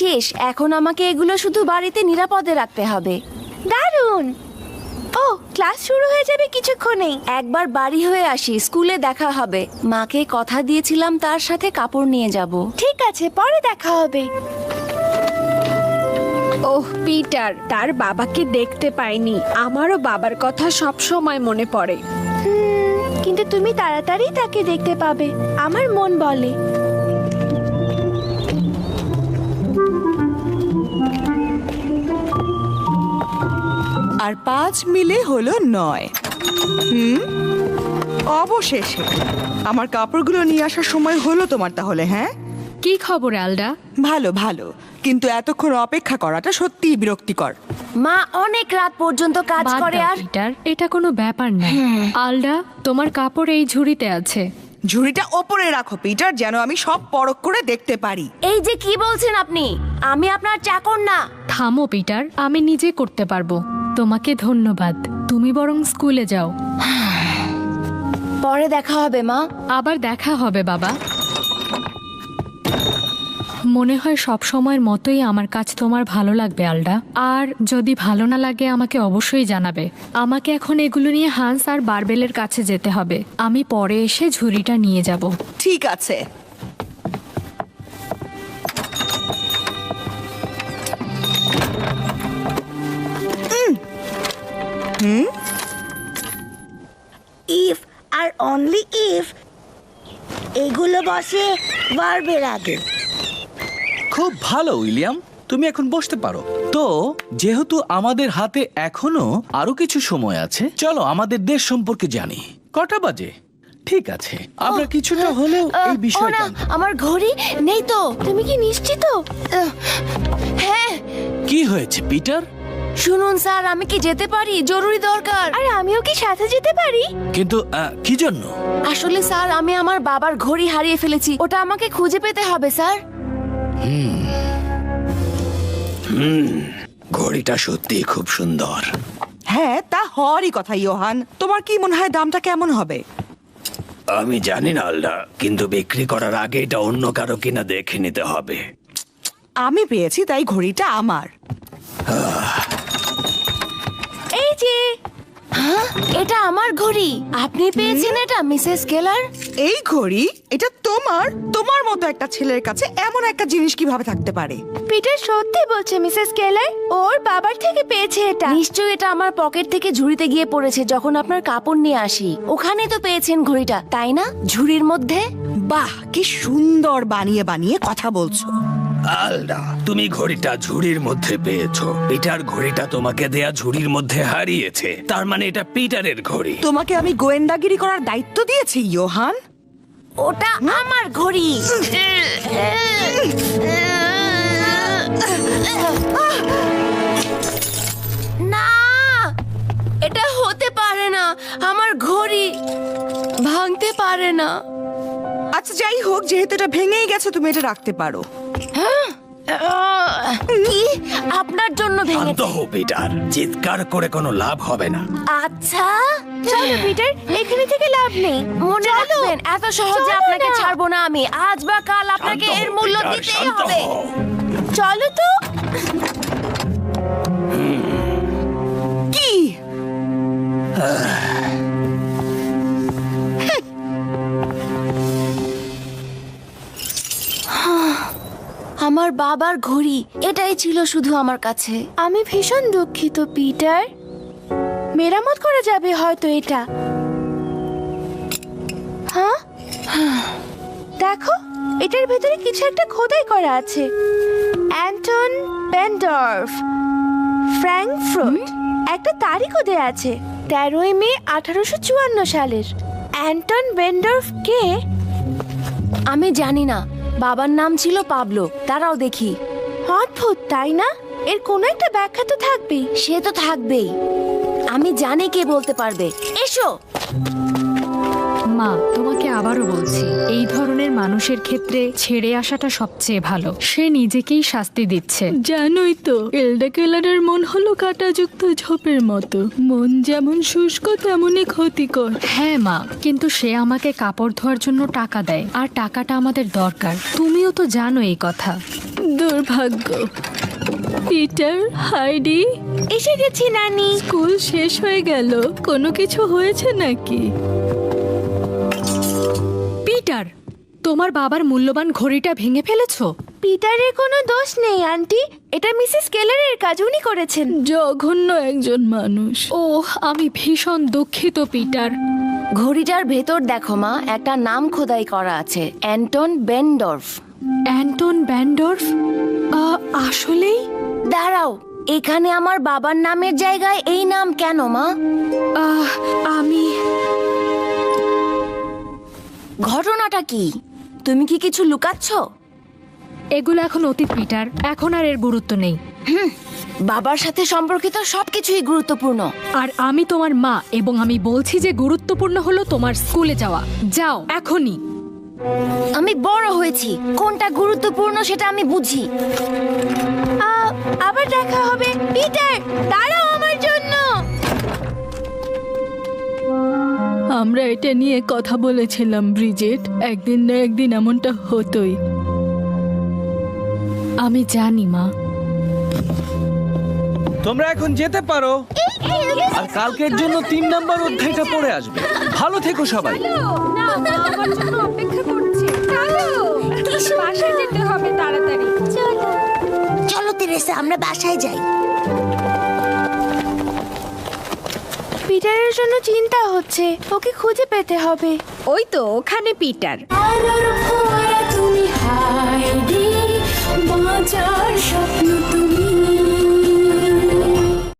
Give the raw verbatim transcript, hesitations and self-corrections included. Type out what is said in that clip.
ভাগ্যিস, এখন আমাকে এগুলো শুধু বাড়িতে নিরাপদে রাখতে হবে। দারুণ। ও, ক্লাস শুরু হয়ে যাবে কিছুক্ষণেই। একবার বাড়ি হয়ে আসি, স্কুলে দেখা হবে। মাকে কথা দিয়েছিলাম তার সাথে কাপড় নিয়ে যাব। ঠিক আছে, পরে দেখা হবে। ওহ পিটার, তার বাবাকে দেখতে পাইনি। আমারও বাবার কথা সব সময় মনে পড়ে। কিন্তু তুমি তাড়াতাড়ি তাকে দেখতে পাবে, আমার মন বলে। আর পাঁচ মিলে হলো নয়। হুম, অবশেষে আমার কাপড়গুলো নিয়ে আসার সময় হলো তোমার তাহলে। হ্যাঁ, কি খবর আলডা? ভালো ভালো, কিন্তু এতক্ষণ অপেক্ষা করাটা সত্যিই বিরক্তিকর। মা অনেক রাত পর্যন্ত কাজ বাদ করে। দাও, আর পিটার, এটা কোনো ব্যাপার না। আলডা, তোমার কাপড় এই ঝুড়িতে আছে। ঝুড়িটা ওপরে রাখো পিটার, যেন আমি সব পরখ করে দেখতে পারি। এই যে কি বলছেন আপনি? আমি আপনার চাকর না। থামো পিটার, আমি নিজে করতে পারবো। তোমাকে ধন্যবাদ, তুমি বরং স্কুলে যাও। পরে দেখা হবে মা। আবার দেখা হবে বাবা। মনে হয় সব সময়ের মতোই আমার কাজ তোমার ভালো লাগবে আলডা। আর যদি ভালো না লাগে আমাকে অবশ্যই জানাবে। আমাকে এখন এগুলো নিয়ে হান্স আর বারবেলের কাছে যেতে হবে। আমি পরে এসে ঝুড়িটা নিয়ে যাব। ঠিক আছে। হুম, ইফ আর অনলি ইফ এগুলো বসে বারবের আগে। খুব ভালো উইলিয়াম, তুমি এখন বসতে পারো। তো যেহেতু আমাদের হাতে এখনো আরো কিছু সময় আছে, চলো আমাদের দেশ সম্পর্কে জানি। কটা বাজে? ঠিক আছে, আমরা কিছুটা হলেও এই ও বিষয়টা। না, আমার ঘড়ি নেই তো। তুমি কি নিশ্চিত? আহ, হ্যাঁ। কি হয়েছে পিটার? শুনুন স্যার, আমি কি যেতে পারি? জরুরি দরকার। আর আমিও কি সাথে যেতে পারি? কিন্তু আহ, কি জন্য? আসলে স্যার, আমি আমার বাবার ঘড়ি হারিয়ে ফেলেছি। ওটা আমাকে খুঁজে পেতে হবে স্যার। ঘড়িটা সত্যি খুব সুন্দর। হ্যাঁ, তা হওয়ারই কথা। ইয়োহান, তোমার কি মনে হয় দামটা কেমন হবে? আমি জানি না আলডা, কিন্তু বিক্রি করার আগে এটা অন্য কারো কিনা দেখে নিতে হবে। আমি পেয়েছি, তাই ঘড়িটা আমার। এই যে, হ্যাঁ, এটা আমার ঘড়ি। আপনি পেয়েছেন এটা মিসেস কেলার? এই ঘড়ি এটা তোমার? তোমার মতো একটা ছেলের কাছে এমন একটা জিনিস কিভাবে থাকতে পারে? পিটার সত্যি বলছে মিসেস কেলার, ওর বাবার থেকে পেয়েছে এটা। নিশ্চয়ই এটা আমার পকেট থেকে ঝুড়িতে গিয়ে পড়েছে যখন আপনার কাপড় নিয়ে আসি। ওখানে তো পেয়েছেন ঘড়িটা, তাই না? ঝুড়ির মধ্যে। বাহ, কি সুন্দর বানিয়ে বানিয়ে কথা বলছো। আলডা, তুমি ঘড়িটা ঝুড়ির মধ্যে পেয়েছো। পিটার ঘড়িটা তোমাকে দেয়া ঝুড়ির মধ্যে হারিয়েছে। তার মানে এটা পিটারের ঘড়ি। তোমাকে আমি গোয়েন্দাগিরি করার দায়িত্ব দিয়েছি ইয়োহান। ওটা আমার ঘড়ি। না, এটা হতে পারে না। আমার ঘড়ি ভাঙতে পারে না। আচ্ছা, যাই হোক, যেহেতু এটা ভেঙেই গেছে, তুমি এটা রাখতে পারো। কি? আপনার জন্য শান্ত ভেঙেছে? হও পিটার, চিৎকার করে কোনো লাভ হবে না। আচ্ছা, চলো পিটার, এখানে থেকে লাভ নেই। মনে রাখবেন, এত সহজে আপনাকে ছাড়বো না আমি। আজ বা কাল আপনাকে শান্ত হও, এর মূল্য পিটার, দিতেই শান্ত হবে। হও। চলো তো। কি? আমার বাবার ঘড়ি, এটাই ছিল শুধু আমার কাছে। আমি ভীষণ দুঃখিত পিটার। মেরামত করা যাবে হয়তো এটা। হ্যাঁ, দেখো, এটার ভেতরে কিছু একটা খোদাই করা আছে। Anton Bendorf, Frankfurt. একটা তারিখও দেয়া আছে, তেরোই মে আঠারোশো চুয়ান্ন সালের। অ্যান্টন বেন্ডর্ফ কে? আমি জানি না। বাবার নাম ছিল পাবলো। তারাও দেখি। অদ্ভুত, তাই না? এর কোনো একটা ব্যাখ্যা তো থাকবেই। সে তো থাকবেই। আমি জানি কে বলতে পারবে। এসো। মা, তোমাকে আবারও বলছি, এই ধরনের মানুষের ক্ষেত্রে ছেড়ে আসাটা সবচেয়ে ভালো। সে নিজেকেই শাস্তি দিচ্ছে। জানোই তো, এলডা কেলারের মন হলো কাঁটাযুক্ত ঝোপের মতো। মন যেমন শুষ্ক তেমনই ক্ষতিকর। হ্যাঁ মা, কিন্তু সে আমাকে কাপড় ধোয়ার জন্য টাকা দেয়, আর টাকাটা আমাদের দরকার। তুমিও তো জানো এই কথা। দুর্ভাগ্য। পিটার, হাইডি, এসে গেছি নানি। স্কুল শেষ হয়ে গেল, কোনো কিছু হয়েছে নাকি? পিটার, তোমার বাবার মূল্যবান ঘড়িটা ভেঙে ফেলেছো? পিটারের কোনো দোষ নেই আন্টি, এটা মিসেস কেলারের কাজ, উনি করেছেন। জঘন্য একজন মানুষ। ওহ, আমি ভীষণ দুঃখিত পিটার। ঘড়িটার ভেতর দেখো মা, একটা নাম খোদাই করা আছে, অ্যান্টন বেন্ডর্ফ। অ্যান্টন ব্যান্ডর্ফ? আহ, আসলেই? দাঁড়াও, এখানে আমার বাবার নামের জায়গায় এই নাম কেন মা? আহ, আমি ঘটনাটা কি? তুমি কি কিছু লুকাচ্ছ? এগুলো এখন অতীত পিটার, এখন আর এর গুরুত্ব নেই। বাবার সাথে সম্পর্কিত সবকিছুই গুরুত্বপূর্ণ। আর আমি তোমার মা, এবং আমি বলছি যে গুরুত্বপূর্ণ হলো তোমার স্কুলে যাওয়া। যাও এখনই। আমি বড় হয়েছি, কোনটা গুরুত্বপূর্ণ সেটা আমি বুঝি। আ- আবার দেখা হবে। পিটার, দাঁড়াও আমার জন্য। আমরা এটা নিয়ে কথা বলেছিলাম ব্রিজেট, একদিন না একদিন এমনটা হতোই। আমি জানি মা। তোমরা এখন যেতে পারো, আর কালকের জন্য তিন নাম্বার অধ্যায়টা পড়ে আসবে। ভালো থেকো সবাই। আমার জন্য অপেক্ষা করছে। চলো, বাসায় যেতে হবে তাড়াতাড়ি। চলো। চলো তেরেসা, আমরা বাসায় যাই। পিটারের জন্য চিন্তা হচ্ছে, ওকে খুঁজে পেতে হবে। ওই তো ওখানে পিটার। আলোর ফোঁয়া তুমি হাইডি, বাঁচার সব